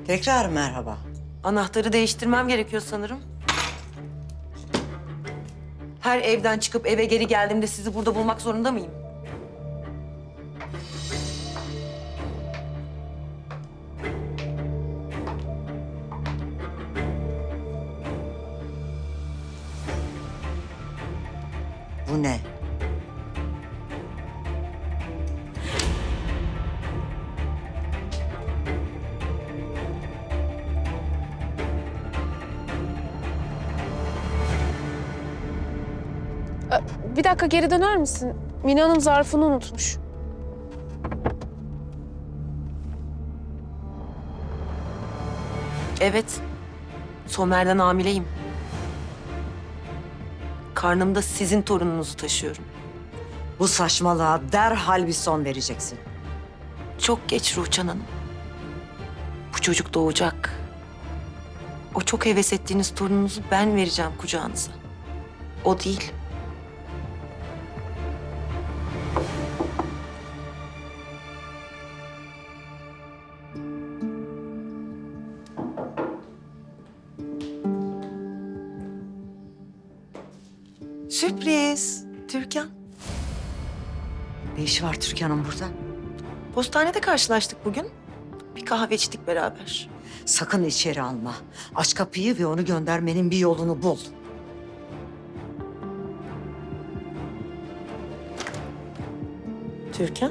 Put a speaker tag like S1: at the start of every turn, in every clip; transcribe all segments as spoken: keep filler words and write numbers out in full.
S1: Tekrar merhaba.
S2: Anahtarı değiştirmem gerekiyor sanırım. Her evden çıkıp eve geri geldiğimde sizi burada bulmak zorunda mıyım?
S1: Bu ne?
S3: Bir dakika geri döner misin? Mine Hanım zarfını unutmuş.
S2: Evet. Somer'den hamileyim. Karnımda sizin torununuzu taşıyorum.
S1: Bu saçmalığa derhal bir son vereceksin.
S2: Çok geç Ruhçan Hanım. Bu çocuk doğacak. O çok heves ettiğiniz torununuzu ben vereceğim kucağınıza. O değil. Sürpriz. Türkan.
S1: Ne işi var Türkan'ın burada?
S2: Postanede karşılaştık bugün. Bir kahve içtik beraber.
S1: Sakın içeri alma. Aç kapıyı ve onu göndermenin bir yolunu bul.
S2: Türkan?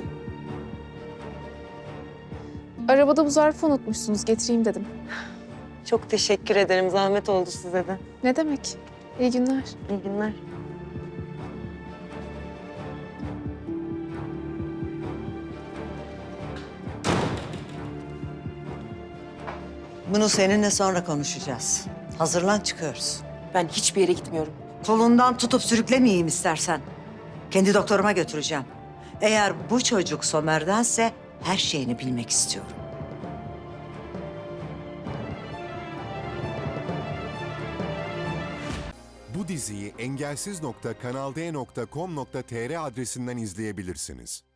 S3: Arabada bu zarfı unutmuşsunuz. Getireyim dedim.
S2: Çok teşekkür ederim. Zahmet oldu size de.
S3: Ne demek? İyi günler.
S2: İyi günler.
S1: Bunu seninle sonra konuşacağız. Hazırlan, çıkıyoruz.
S2: Ben hiçbir yere gitmiyorum.
S1: Kolundan tutup sürüklemeyeyim istersen. Kendi doktoruma götüreceğim. Eğer bu çocuk Somer'dense her şeyini bilmek istiyorum.
S4: Bu diziyi engelsiz nokta kanal d nokta com nokta tr adresinden izleyebilirsiniz.